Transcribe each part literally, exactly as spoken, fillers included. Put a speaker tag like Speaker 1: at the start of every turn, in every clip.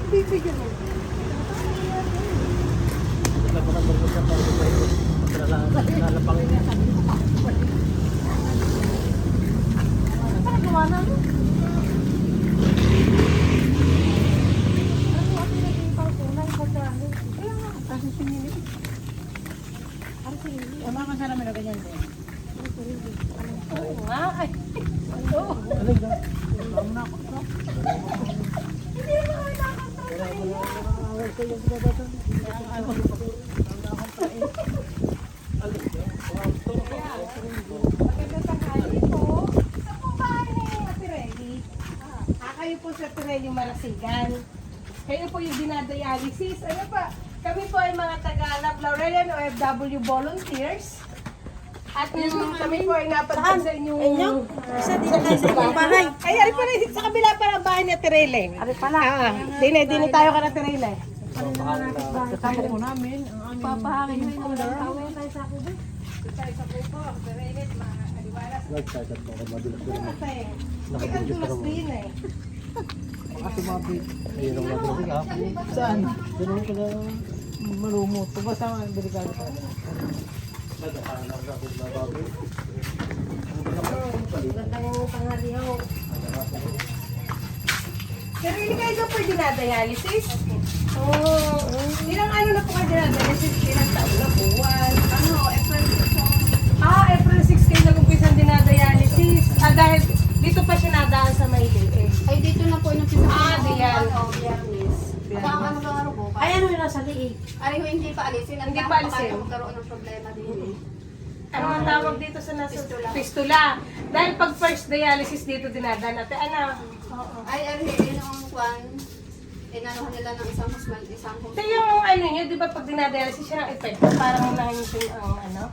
Speaker 1: bibigyan mo.
Speaker 2: Wala ko na bago sa bago pa ito. Lalapangin niya.
Speaker 1: Ano gawa na mo? Ano ako naging pangkulay pagkano? Kaya nga, kasi pinili. Ano pinili?
Speaker 3: Ang mga kasarami na ganyan din.
Speaker 1: Ano pinili? Oo nga, ay. Oo.
Speaker 2: Alig na. Alam na ako.
Speaker 1: Hindi naman kami nakakontrol. Magandang tanghali po. Sa po bahay na yung Pirelli. Ah, kayo po sa Pirelli Marasigan. Kayo po yung dinadialysis. Ano pa? Kami po ay mga taga-Lab Laurelian O F W volunteers. At yung kami po ay napadaan sa inyong...
Speaker 3: Isa din tayo sa ibang bahay.
Speaker 1: Ay, ari pa rin. Sa kabila pa ng bahay ni Tirele. Ari pala. Ah, dine, dine tayo ka na Tirele.
Speaker 3: Kasama po namin. Papahangin mo yung ular.
Speaker 1: Tayo sa ako ba? Tayo sa kupo. Tirele, mga aliwalas.
Speaker 2: Nagsagat mo ako. Madulas ko
Speaker 1: Ano
Speaker 2: naman.
Speaker 1: pa eh? Ay, ang dulas din eh.
Speaker 2: Kasi mabit. Ayun ang madulas ka. Saan? Ganun ko na malumot. Pabasa nga ang delikado ka. Nagkakanang ako na babi.
Speaker 1: Gandang panghalihaw. Tirele, kayo daw po yung dinadialysis? Oo. Ilang ano na po kayo dinadialysis? Ilang taon na po? One. Ano? April six po. Ah, April six kayo nag-umpisang dinadialysis. Ah, dahil dito pa siya nadaan sa Maylay eh.
Speaker 4: Ay, dito na po yung pinag-
Speaker 1: Ah, diyan.
Speaker 4: Ano, Biyernes. Ako ang ano lang araw po.
Speaker 3: Ay, ano yung nasa liig?
Speaker 4: Ay, hindi pa alisin. Ang
Speaker 1: Hindi
Speaker 4: dami
Speaker 1: pa alisin.
Speaker 4: pa magkaroon ng problema din. eh.
Speaker 1: Ano ang tawag dito sa nasa?
Speaker 4: Fistula.
Speaker 1: Fistula. Dahil pag first dialysis dito dinadaan natin, ano? Oo.
Speaker 4: Ay, ay, yun ang kwan. Inanuhan nila ng isang husman, isang
Speaker 1: Ito
Speaker 4: husman.
Speaker 1: yung ano nyo, di ba pag dinadialysis siya ng epekto, parang nangingitim ang ano,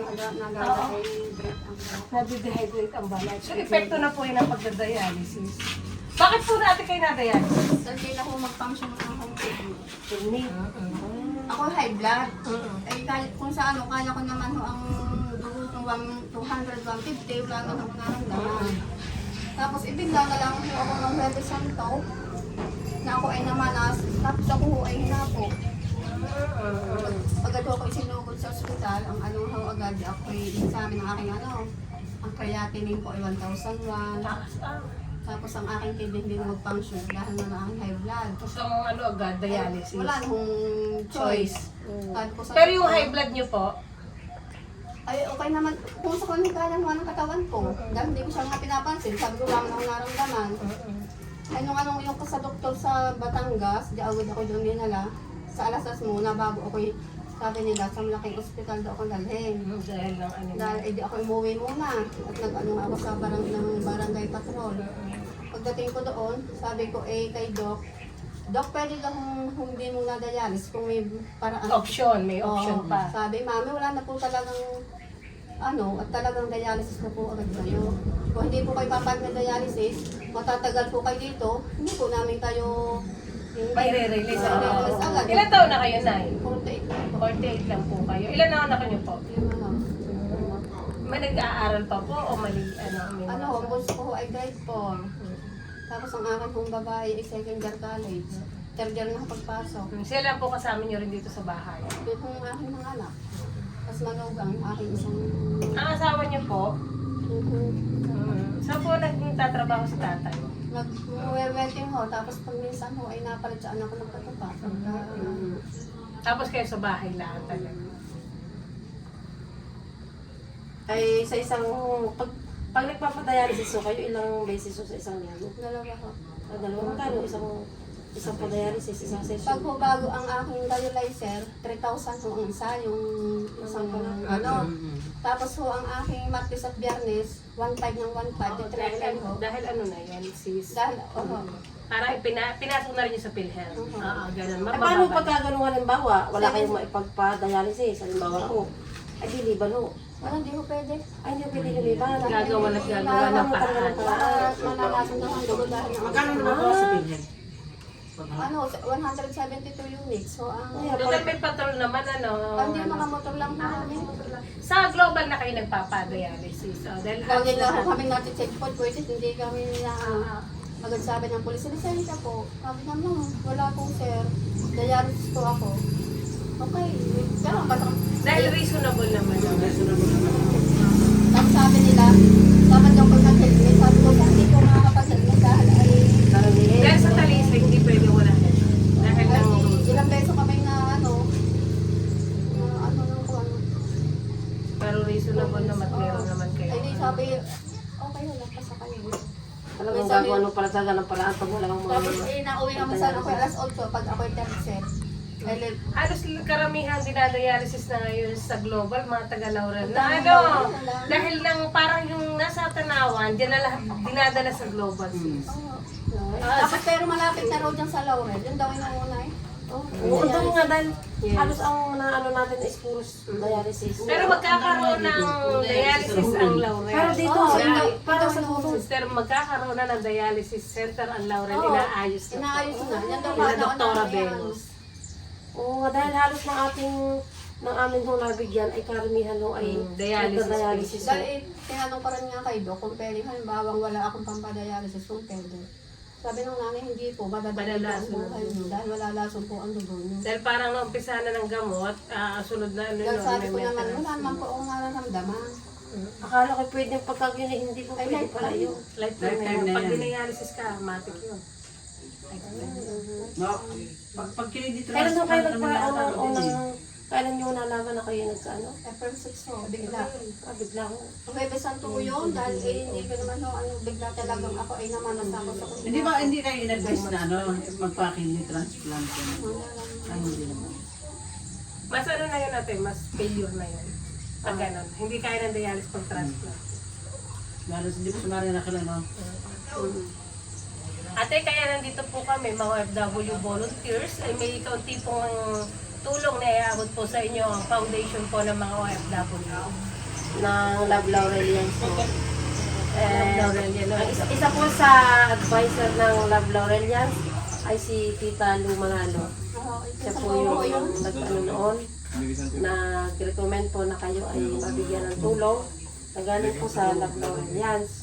Speaker 1: nadidehydrate ang balat. So epekto na po yun ang pagdadialysis. Bakit po natin kayo na-dialysis?
Speaker 4: Dahil na ako mag-function ng akong kidney.
Speaker 1: Kidney.
Speaker 4: Ako high blood.
Speaker 1: Mm-mm.
Speaker 4: Ay, kahit kung sa ano, kala ko naman ho ang dugo kong two hundred, one fifty, wala na akong naramdaman. Tapos ibigla na lang ho ako ng Huwebes Santo na ako ay namanas, tapos ako ho ay hinapo. Pagkat ako isinugod sa ospital, ang ano ho agad, ako ay examine ng aking ano, ang creatinine ko ay one thousand one. Tapos ang aking kidney hindi na mag-function dahil na na aking high blood.
Speaker 1: Gusto mong ano agad, dialysis?
Speaker 4: Wala nung choice. Sabi ko sa
Speaker 1: Pero yung
Speaker 4: doktor,
Speaker 1: high blood nyo po,
Speaker 4: ay okay naman, kung sa kung kaya mo ng katawan ko, dahil hindi ko siya nga pinapansin, sabi ko lang akong naramdaman. Ay nung anong yung sa doktor sa Batangas, di agad ako doon dinala, sa alasas muna bago ako, sabi nila sa malaking ospital daw ako dalhin.
Speaker 1: dahil lang ano.
Speaker 4: Dahil eh, di ako umuwi muna at nag-ano nga ako sa barang, ng barangay patrol. Pagdating ko doon, sabi ko eh kay Doc, Doc, pwede daw kung, kung hindi mo na-dialysis, kung may paraan.
Speaker 1: Option, may option
Speaker 4: Oo.
Speaker 1: pa.
Speaker 4: Sabi, Mami, wala na po talagang ano, at talagang dialysis na po agad kayo. Kung hindi po kayo papag na dialysis, matatagal po kayo dito, hindi po namin kayo
Speaker 1: May re-release.
Speaker 4: Re-release agad.
Speaker 1: Ilan taon na kayo, Nay?
Speaker 4: forty-eight lang po.
Speaker 1: forty-eight lang po kayo. Ilan na anak niyo po?
Speaker 4: Yung ano,
Speaker 1: May nag-aaral pa po o mali, ano? May
Speaker 4: ano, ang bunso ko ay grade four. Tapos ang akin kong babae ay second year college. Third year na pagpasok.
Speaker 1: Sila lang po kasama niyo rin dito sa bahay.
Speaker 4: Ito yung aking mga anak. Tapos manugang, aking isang...
Speaker 1: Ang asawa niyo po,
Speaker 4: Mhm.
Speaker 1: saan po nagtatrabaho sa tatay?
Speaker 4: Nag-wedding ho, tapos pag minsan ho ay napalit sa anak ko ng katupa. Pagka, ano,
Speaker 1: Tapos kayo sa bahay lang talaga.
Speaker 3: Ay, sa isang, pag, pag nagpapadialysis so kayo, ilang beses so sa isang linggo?
Speaker 4: dalawa ho.
Speaker 3: Ah, dalawa magkano? Isang, isang padialysis, isang
Speaker 4: Pag
Speaker 3: session.
Speaker 4: ho bago ang aking dialyzer, three thousand ho ang isa, yung isang ano. Tapos ho ang aking Martes at Biyernes, one five ng one five,
Speaker 1: Oo,
Speaker 4: yung
Speaker 1: dahil,
Speaker 4: treatment
Speaker 1: ano,
Speaker 4: ho.
Speaker 1: dahil ano na yan, sis?
Speaker 4: Dahil, oho.
Speaker 1: Parang pina, pinasok na rin niyo sa PhilHealth.
Speaker 4: Mhm.
Speaker 1: Oo, ganun.
Speaker 3: Ay, paano
Speaker 1: Mababa.
Speaker 3: pagka ganun halimbawa, wala
Speaker 4: Seven.
Speaker 3: kayong maipagpa-dialysis, halimbawa ko, ay diliban ho.
Speaker 4: Wala, hindi ho pwede.
Speaker 3: Ay, hindi ko pwede lumiban.
Speaker 1: Gagawa at gagawa ng paraan.
Speaker 4: Manalasan na ang dugo dahil ang
Speaker 2: Magkano naman po sa pinyan?
Speaker 4: ano, one hundred seventy-two units. So, ang...
Speaker 1: Doon may patrol naman, ano.
Speaker 4: Hindi, mga motor lang po namin.
Speaker 1: Sa global na kayo nagpapadialysis. So, dahil
Speaker 4: Lagi lang po kami natin checkpoint, pwede hindi kami na Agad sabi ng pulis, lisensya po. Sabi niya, ma'am, wala pong sir. Dialysis po ako. Okay. Pero basta,
Speaker 1: Dahil reasonable naman.
Speaker 4: tapos sabi nila, dapat daw pag nag-helmet. Sabi ko, hindi ko makakapag-helmet dahil ay
Speaker 3: Karamihin.
Speaker 1: Dahil sa talisay, hindi pwede wala. Dahil
Speaker 4: ay
Speaker 1: lang,
Speaker 4: ilang beso kami na ano, na ano nang ano.
Speaker 1: pero reasonable naman, meron naman kayo.
Speaker 4: Ay di sabi, okay wala pa sa kayo.
Speaker 3: Talagang gagawa ng pala talaga ng paraan pag wala kang mga...
Speaker 4: Tapos eh, nauwi kami sa ako alas eight pag ako'y third set. Ay,
Speaker 1: Halos karamihan dinadialysis na ngayon sa global, mga taga-Laurel. Na
Speaker 4: Ang
Speaker 1: ano,
Speaker 4: dami.
Speaker 1: dahil lang parang yung nasa Tanawan, dyan na lahat dinadala sa global.
Speaker 4: Ah, tapos pero malapit na raw dyan sa Laurel. Yun daw yung una eh.
Speaker 3: Oo, ang dami nga dahil
Speaker 1: Yes.
Speaker 3: halos ang naano natin is puros dialysis.
Speaker 1: Pero magkakaroon ng dialysis ang Laurel.
Speaker 3: Pero dito,
Speaker 4: Oo,
Speaker 3: sa
Speaker 4: ito-
Speaker 3: ito, para sa
Speaker 1: Oh, sister, magkakaroon na ng dialysis center ang Laurel.
Speaker 4: Oo.
Speaker 1: Inaayos na.
Speaker 4: Inaayos na. Yan daw
Speaker 1: Ina
Speaker 4: ano,
Speaker 1: Doktora
Speaker 4: ano,
Speaker 1: Venus.
Speaker 3: Oo nga, dahil halos ng ating, ng amin hong nabigyan ay karamihan ho ay
Speaker 1: Mm, dialysis
Speaker 3: nagda-dialysis ho.
Speaker 4: Dahil eh, tinanong ko rin nga kay Doc kung pwede, halimbawa wala akong pampadialysis kung pwede. Sabi ng nanay, hindi po, madadali po ang
Speaker 1: Malalason
Speaker 4: buhay niyo dahil wala lason po ang dugo niyo.
Speaker 1: Dahil parang naumpisa na ng gamot, ah, sunod na ano
Speaker 4: Dahil
Speaker 1: yun,
Speaker 4: sabi
Speaker 1: may
Speaker 4: ko naman,
Speaker 1: maintenance.
Speaker 4: wala naman po akong nararamdaman.
Speaker 3: Akala ko pwedeng pagkagyan eh, hindi po
Speaker 4: Ay,
Speaker 3: pwede
Speaker 4: life
Speaker 3: pala
Speaker 4: time.
Speaker 3: yun.
Speaker 1: Lifetime na
Speaker 2: Lifetime
Speaker 1: yun.
Speaker 2: na
Speaker 1: Pag
Speaker 2: yan.
Speaker 1: dinialysis ka, matik yun.
Speaker 2: No, pag, pag kiniditransplant
Speaker 3: Kailan nyo kayo
Speaker 2: naman
Speaker 3: nagpa,
Speaker 2: yata,
Speaker 3: unang,
Speaker 2: hindi.
Speaker 3: unang, kailan nyo nalaman na kayo nagkaano?
Speaker 4: April six po, bigla.
Speaker 3: Ah, bigla ko.
Speaker 4: Ang Bebe Santo ko yun dahil eh, hindi ko naman no, ano, bigla talagang ako ay namanas ako sa kusina.
Speaker 2: Hindi ba, hindi kayo in-advise na ano, magpa-kidney-transplant ka na? Ay, hindi naman.
Speaker 1: Mas ano na yun natin, mas failure na yun. Pag ganun. Hindi kaya ng dialysis pag transplant.
Speaker 2: Lalo hindi po sumari na kila, no?
Speaker 1: Ate, kaya nandito po kami, mga O F W volunteers, ay may kaunti pong tulong na iabot po sa inyo ang foundation po ng mga O F W.
Speaker 3: Ng Love Laurelians po. Eh,
Speaker 1: Laurelian, no?
Speaker 3: ang isa, isa po sa advisor ng Love Laurelians ay si Tita Lu Manalo.
Speaker 4: Oo,
Speaker 3: Siya
Speaker 4: isa
Speaker 3: po
Speaker 4: po
Speaker 3: yung
Speaker 4: yun.
Speaker 3: nag-ano noon, nag-recommend po na kayo ay mabigyan ng tulong na galing po sa Love Laurelians.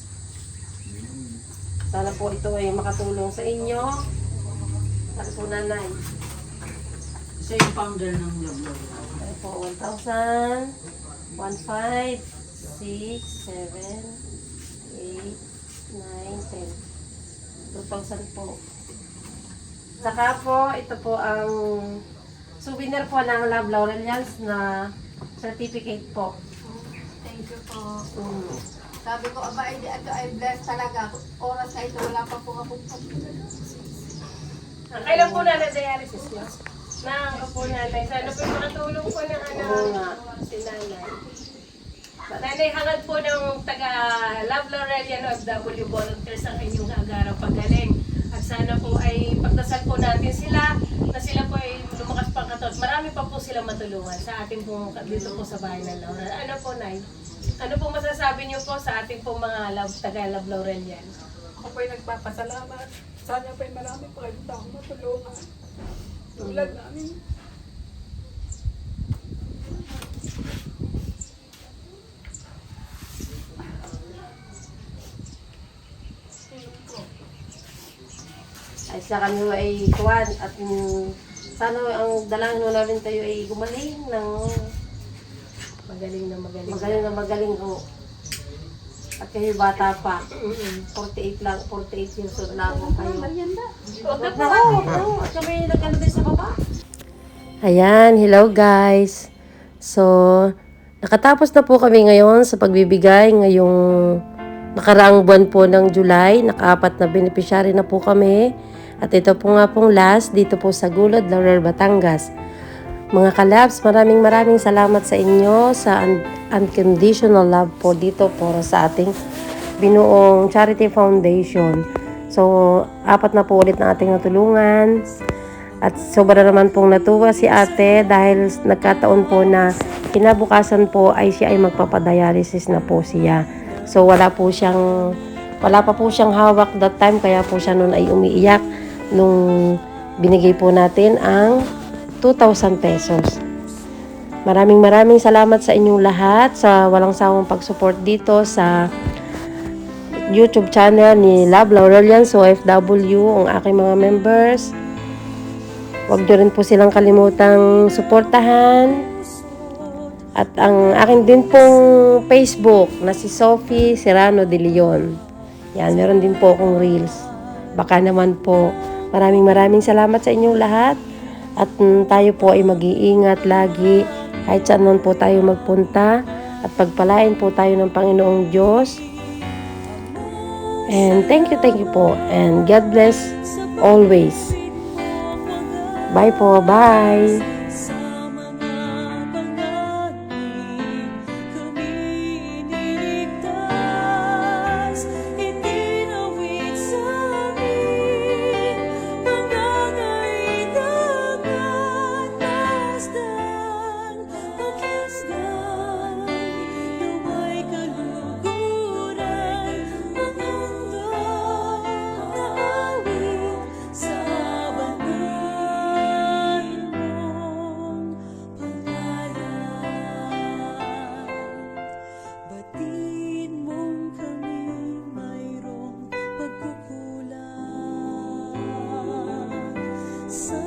Speaker 3: Sana po ito ay makatulong sa inyo. At po nanay.
Speaker 2: Siya yung founder ng Love Love.
Speaker 3: Ito po, one thousand, one, five, six, seven, eight, nine, ten. two thousand po. Saka po, ito po ang souvenir po ng Love Laurelians na certificate po.
Speaker 4: Thank you po.
Speaker 3: Mm.
Speaker 4: Sabi ko, aba, hindi ito ay blessed talaga. Oras na ito, wala pa po akong
Speaker 1: Ang kailan po na dialysis mo? Nakaka po nanay. Sana po makatulong po ng ano,
Speaker 3: Oo nga.
Speaker 1: si nanay. Nanay, hangad po ng taga Love Laurelian O F W volunteers ang inyong agarang paggaling. At sana po ay pagdasal po natin sila na sila po ay lumakas pang katot. Marami pa po silang matulungan sa ating po dito po sa bahay ng Laurel. Ano po, Nay? Ano po masasabi niyo po sa ating po mga love, taga Love Laurelian?
Speaker 5: Ako po'y nagpapasalamat. Sana po'y marami pa kayong taong matulungan. Tulad namin.
Speaker 3: Ay sa kanyo ay kuwan at mm, sana ang dalangin mo namin tayo ay gumaling ng
Speaker 1: Magaling na magaling.
Speaker 3: magaling na magaling ho. At kayo bata pa.
Speaker 1: Mm-mm.
Speaker 3: forty-eight lang, forty-eight years old lang ho kayo.
Speaker 4: merienda.
Speaker 1: Huwag na
Speaker 3: Huwag
Speaker 1: po
Speaker 3: na
Speaker 1: ate.
Speaker 3: ho, no, at kami nagkano din sa baba. Ayan, hello guys. So, nakatapos na po kami ngayon sa pagbibigay ngayong nakaraang buwan po ng July. Nakaapat na beneficiary na po kami. At ito po nga pong last dito po sa Gulod, Laurel, Batangas. Mga kalabs, maraming maraming salamat sa inyo sa un- unconditional love po dito po sa ating binuong Charity Foundation. So, apat na po ulit na ating natulungan. At sobra naman pong natuwa si ate dahil nagkataon po na kinabukasan po ay siya ay magpapadialysis na po siya. So, wala po siyang, wala pa po siyang hawak that time kaya po siya noon ay umiiyak nung binigay po natin ang two thousand pesos. Maraming maraming salamat sa inyong lahat sa walang sawang pag-support dito sa YouTube channel ni Love Laurelian So F W, ang aking mga members. Huwag nyo rin po silang kalimutang suportahan. At ang akin din pong Facebook na si Sophie Serrano de Leon. Yan, meron din po akong reels. Baka naman po. Maraming maraming salamat sa inyong lahat. At mm, tayo po ay mag-iingat lagi. Kahit saan man po tayo magpunta. At pagpalain po tayo ng Panginoong Diyos. And thank you, thank you po. And God bless always. Bye po, bye.
Speaker 6: Sa